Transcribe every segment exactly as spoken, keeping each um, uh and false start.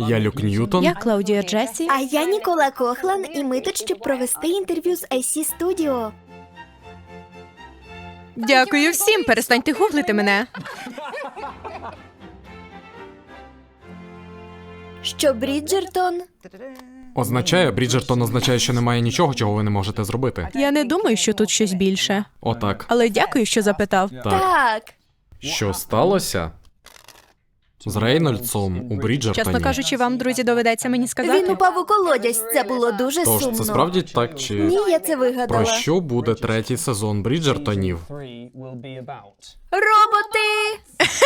Я Люк Ньютон. Я Клаудія Джесі. А я Нікола Кохлан, і ми тут, щоб провести інтерв'ю з ай сі Studio. Дякую всім, перестаньте гуглити мене. Що Бріджертон? Означає, Бріджертон означає, що немає нічого, чого ви не можете зробити. Я не думаю, що тут щось більше. Отак. Але дякую, що запитав. Так. Так. Що сталося з Рейнольдсом у Бріджертоні? Чесно кажучи, вам, друзі, доведеться мені Він сказати. упав у колодязь. Це було дуже Тож, сумно. це справді так чи... Ні, я це вигадала. Про що буде третій сезон Бріджертонів? Роботи!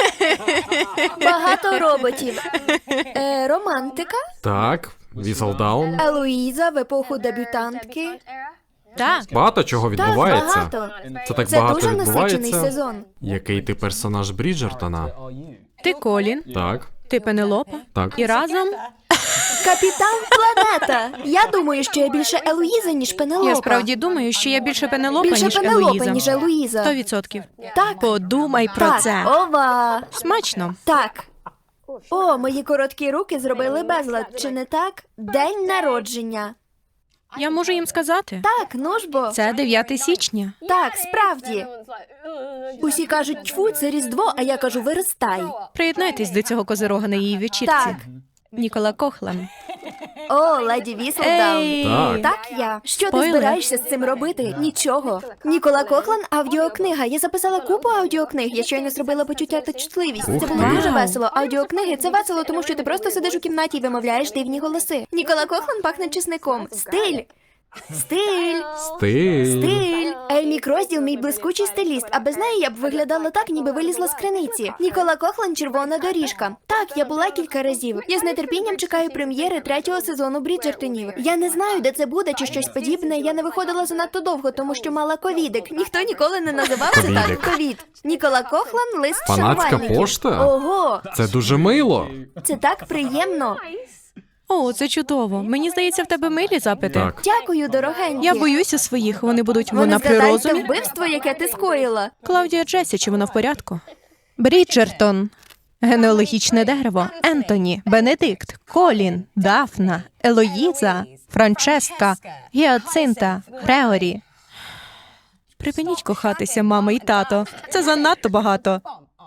Багато роботів. Е, романтика? Так, Віселдаун. Елоїза в епоху дебютантки. Так. Багато чого Так, відбувається. багато. Це так Це багато дуже насичений відбувається. сезон. Який ти персонаж Бріджертона? Ти Колін, Так, ти Пенелопа. так. І разом Капітан Планета. Я думаю, що я більше Елоїза, ніж Пенелопа. я справді думаю, що я більше Пенелопа, Більше ніж Пенелопа, Елоїза. ніж Елоїза. Сто відсотків. Так. Подумай про Так, це. ова. Смачно. Так. О, мої короткі руки зробили безлад, чи не так? День народження. Я можу їм сказати. Так, ну ж бо. Це дев'яте січня. Так, справді. Усі кажуть, тьфу, це Різдво, а я кажу, виростай. Приєднайтесь до цього козирога на її вечірці. Так. Нікола Кохлан. О, леді Віселдаун. Ей! Так. Так я. Що Спойлер. ти збираєшся з цим робити? Нічого. Нікола Кохлан, аудіокнига. Я записала купу аудіокниг. Я щойно зробила почуття та чутливість. Ух Це було ти. дуже Вау. весело. Аудіокниги це весело, тому що ти просто сидиш у кімнаті і вимовляєш дивні голоси. Нікола Кохлан пахне чесником. Стиль. Стиль. Стиль. Стиль. Ельмі Крозділ – мій блискучий стиліст, а без неї я б виглядала так, ніби вилізла з криниці. Нікола Кохлан – червона доріжка. Так, я була кілька разів. Я з нетерпінням чекаю прем'єри третього сезону Бріджертонів. Я не знаю, де це буде чи щось подібне. Я не виходила занадто довго, тому що мала ковідик. Ніхто ніколи не називав це Ковідик. так. Ковід. Нікола Кохлан – лист Фанатська шанувальників. пошта? Ого, Це дуже мило. це так приємно. О, це чудово. Мені здається, в тебе милі запити. Так. Дякую, дорогенькі. Я боюся своїх, вони будуть Вони вона при згадають те розумі. вбивство, яке ти скоїла. Клаудія Джесі, чи вона в порядку? Бріджертон. Генеалогічне дерево. Ентоні, Бенедикт, Колін, Дафна, Елоїза, Франческа, Гіацинта, Греорі. Припиніть кохатися, мама і тато. Це занадто багато.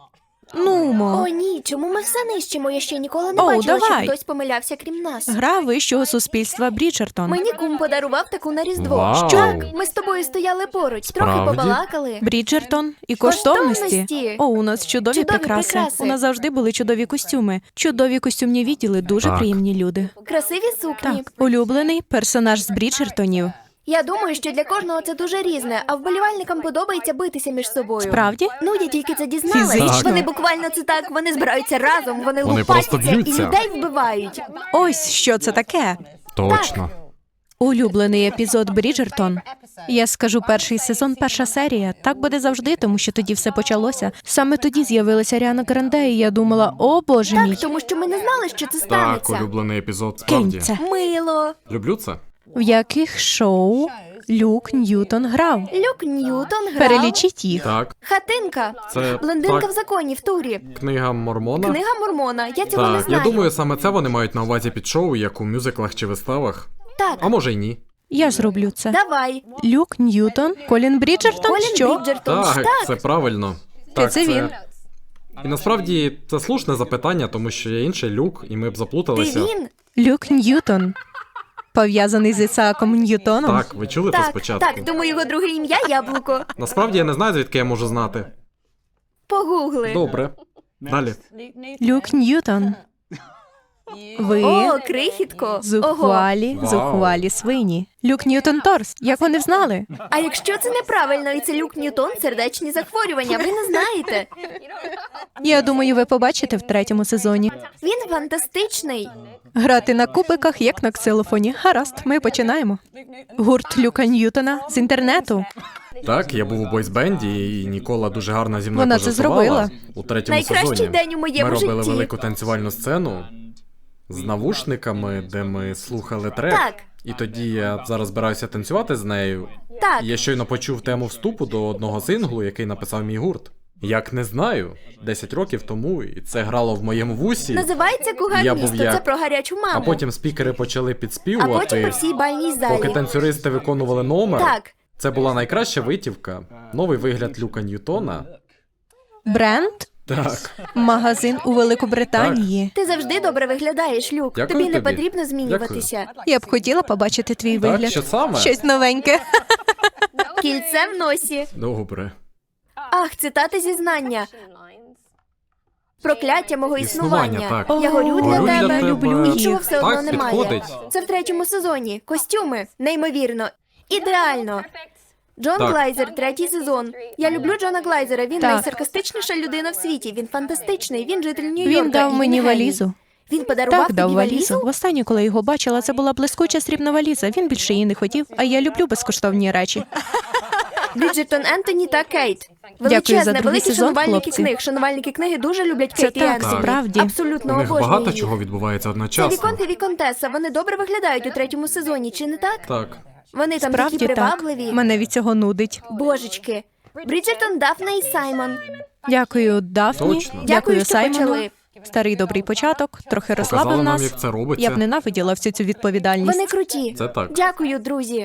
Нумо. О, ні, чому ми все нищимо? Я ще ніколи не Оу, бачила, давай. що хтось помилявся крім нас. Гра вищого суспільства Бріджертон. Мені кум подарував таку на Різдво. Вау. Так, ми з тобою стояли поруч, трохи Справді? побалакали. Бріджертон і коштовності. Коштовності. О, у нас чудові, Чудові прикраси. прикраси. У нас завжди були чудові костюми. Чудові костюмні відділи, дуже Так. приємні люди. Красиві сукні. Так, улюблений персонаж з Бріджертонів. Я думаю, що для кожного це дуже різне, а вболівальникам подобається битися між собою. Справді? Ну, я тільки це дізналась. Фізично. Вони буквально це так, вони збираються разом, вони, Вони лупаться просто і б'ються. людей вбивають. Ось що це таке. Точно. Улюблений епізод Бріджертон. Я скажу перший сезон, перша серія. Так буде завжди, тому що тоді все почалося. Саме тоді з'явилася Аріана Гранде, і я думала, о боже мій, Так, тому що ми не знали, що це Так, станеться. улюблений епізод, кинь справді. це. Мило. Люблю це. В яких шоу Люк Ньютон грав? Люк Ньютон грав. Перелічіть їх. Так, Хатинка. це Блондинка так, в законі в турі. книга Мормона. Книга Мормона. Я цього не Так, знаю. я думаю, саме це вони мають на увазі під шоу, як у мюзиклах чи виставах. Так, А може й ні. Я зроблю це. давай. Люк Ньютон, Колін Бріджертон, Колін що? Бріджертон. Так, Так. це правильно. Чи Так, це він? І насправді це слушне запитання, тому що є інший Люк, і ми б Ти заплуталися. він? Люк Ньютон. Пов'язаний з Ісааком Ньютоном? Так, ви чули це Так, спочатку? так, думаю, його друге ім'я Яблуко. Насправді я не знаю, звідки я можу знати. Погугли. Добре. Далі. Люк Ньютон. Ви О, крихітко. Ого. зухвалі, Вау. зухвалі свині. Люк Ньютон Торс. Як вони взнали? А якщо це неправильно і це Люк Ньютон, сердечні захворювання, ви не знаєте. Я думаю, ви побачите в третьому сезоні. Він фантастичний. Грати на кубиках, як на ксилофоні. Гаразд, ми починаємо. Гурт Люка Ньютона з інтернету. Так, я був у бойсбенді, і Нікола дуже гарно зі мною Вона це пожартувала зробила. у третьому Найкращий сезоні. день у моєму Ми робили житті. велику танцювальну сцену з навушниками, де ми слухали трек. Так. І тоді я зараз збираюся танцювати з нею. Так. І я щойно почув тему вступу до одного синглу, який написав мій гурт. Як не знаю. Десять років тому, і це грало в моєму вусі. Називається «Кугар Я був місто», як- це про гарячу маму. А потім спікери почали А потім підспівувати, по всій бальній залі. поки танцюристи виконували номер. Так. Це була найкраща витівка. Новий вигляд Люка Ньютона. Бренд? Так. Магазин у Великобританії. Ти завжди добре виглядаєш, Люк. Дякую тобі не тобі. потрібно змінюватися. Я б хотіла побачити твій Так, вигляд. що саме? Щось новеньке. Кільце в носі. Добре. Ах, цитати зізнання. Прокляття мого Існування, існування. так. Я горю О, для Горю для тебе. тебе. люблю їх. Нічого все одно Так, немає. підходить. Це в третьому сезоні. Костюми. Неймовірно. Ідеально. Джон Так. Глайзер, третій сезон. Я люблю Джона Глайзера. Він Так. найсаркастичніша людина в світі. Він фантастичний. Він житель Нью-Йорка. Він дав і мені він геній. валізу. Він подарував Так, дав тобі валізу. валізу? Востаннє, коли його бачила, це була блискуча срібна валіза. Він більше її не хотів, а я люблю безкоштовні речі. Бріджертон Ентоні та Кейт. Дякую за Величезне, другий великі сезон, шанувальники хлопці. книг. Шанувальники книги дуже люблять Це Кейт і так, Ентоні. справді. Абсолютно У них обожнюю багато їх. чого відбувається Це одночасно. Віконт і Віконтеса. Вони добре виглядають у третьому сезоні, чи не так? Так. Вони там Справді такі так. привабливі. Мене від цього нудить. Божечки. Бріджертон, Дафна і Саймон. Дякую, Дафні. Точно. Дякую, що Саймону. почали. Старий добрий початок, трохи розслабив Показали нам, нас. як це робиться. Я б ненавиділа всю цю відповідальність. Вони круті. Це так. Дякую, друзі.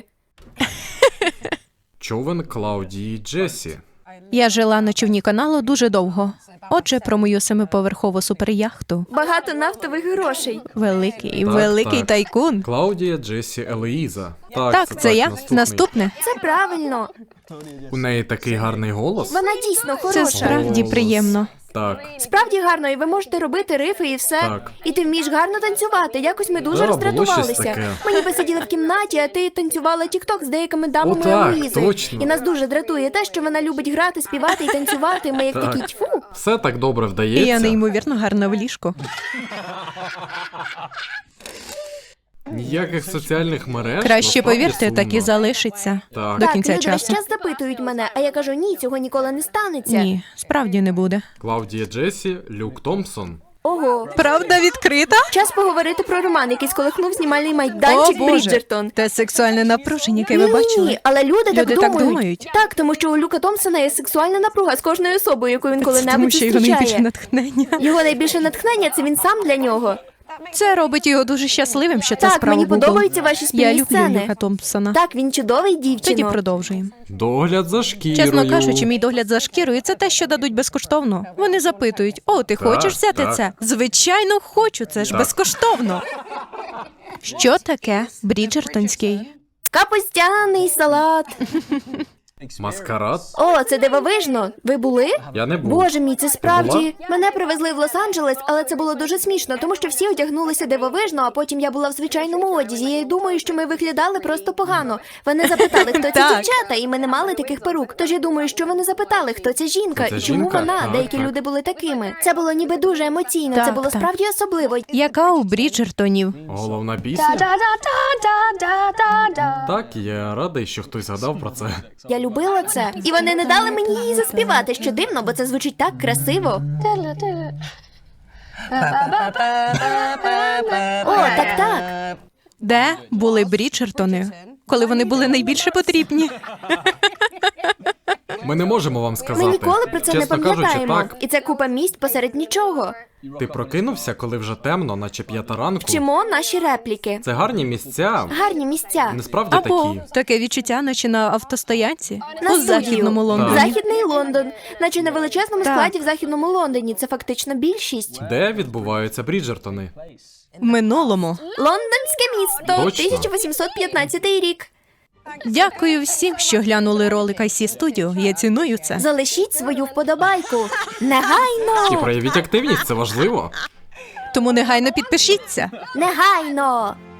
Човен Клаудії Джесі. Я жила на човні каналу дуже довго. Отже, про мою семиповерхову суперяхту. Багато нафтових грошей. Великий, Так, великий так. тайкун. Клаудія Джесі Елоїза. Так, Так, це, це так, я. наступний. Наступне. Це правильно. У неї такий гарний голос. Вона дійсно Це хороша. справді Голос. приємно. Так. Справді гарно, і ви можете робити рифи і все. Так. І ти вмієш гарно танцювати. Якось ми дуже Да, було роздратувалися. щось таке. Ми ніби сиділи в кімнаті, а ти танцювала тік-ток з деякими дамами О, так, Елоїзи. точно. І нас дуже дратує те, що вона любить грати, співати і танцювати. Ми як Так. такі тьфу. Все так добре І вдається. я неймовірно гарна в ліжку. Ніяких соціальних мереж. Краще насправді повірте, так і сумно. залишиться. Так. До Так, кінця люди весь часу. час запитують мене, а я кажу, ні, цього ніколи не станеться. Ні, справді не буде. Клаудія Джесі, Люк Томпсон. Ого. Правда відкрита? Час поговорити про роман, який сколихнув знімальний майданчик О, Боже. Бріджертон. Те сексуальне напруження, яке ви Ні, бачили. але люди, Люди так так думають. думають. Так, тому що у Люка Томпсона є сексуальна напруга з кожною особою, яку він Це тому, коли-небудь що його найбільше зустрічає. натхнення. Його найбільше натхнення це він сам для нього. Це робить його дуже щасливим, що це Так, справа мені Google. подобаються ваші спільні Я люблю сцени. Люка Томпсона. Так, він чудовий Тоді дівчино. продовжуємо. Догляд за шкірою. Чесно кажучи, мій догляд за шкірою це те, що дадуть безкоштовно. Вони запитують: о, ти Так, хочеш взяти так. це? Звичайно, хочу, це ж Так. безкоштовно. Що таке Бріджертонський? Капустяний салат. Маскарад? О, це дивовижно. Ви були? Я не був. Боже мій, це справді. була? Мене привезли в Лос-Анджелес, але це було дуже смішно, тому що всі одягнулися дивовижно, а потім я була в звичайному одязі. Я й думаю, що ми виглядали просто погано. Вони запитали, хто ці Так. дівчата, і ми не мали таких перук. Тож я думаю, що вони запитали, хто ця жінка Хто ця і чому жінка? вона. Так, Деякі так. люди були такими. Це було ніби дуже емоційно. Так, це було так. справді особливо. Яка у Бріджертонів? Головна пісня? Так, я радий, що хтось згадав про це. Я любила це. І вони не дали мені її заспівати, що дивно, бо це звучить так красиво. О, так, так. Де були Бріджертони, коли вони були найбільше потрібні? Ми не можемо вам сказати. Ми ніколи про це Чесно не кажучи, пам'ятаємо. так. І це купа місць посеред нічого. Ти прокинувся, коли вже темно, наче п'ята ранку. Вчимо наші репліки. Це гарні місця. Гарні місця. Насправді Або такі. таке відчуття, наче на автостоянці На у студію. західному Лондоні. Західний Лондон. Наче на величезному Так. складі в західному Лондоні. Це фактично більшість. Де відбуваються Бріджертони? В минулому. Лондонське місто. Точно. тисяча вісімсот п'ятнадцятий рік. Дякую всім, що глянули ролик ай сі Studio. Я ціную це. Залишіть свою вподобайку. Негайно! І проявіть активність, це важливо. Тому негайно підпишіться. Негайно!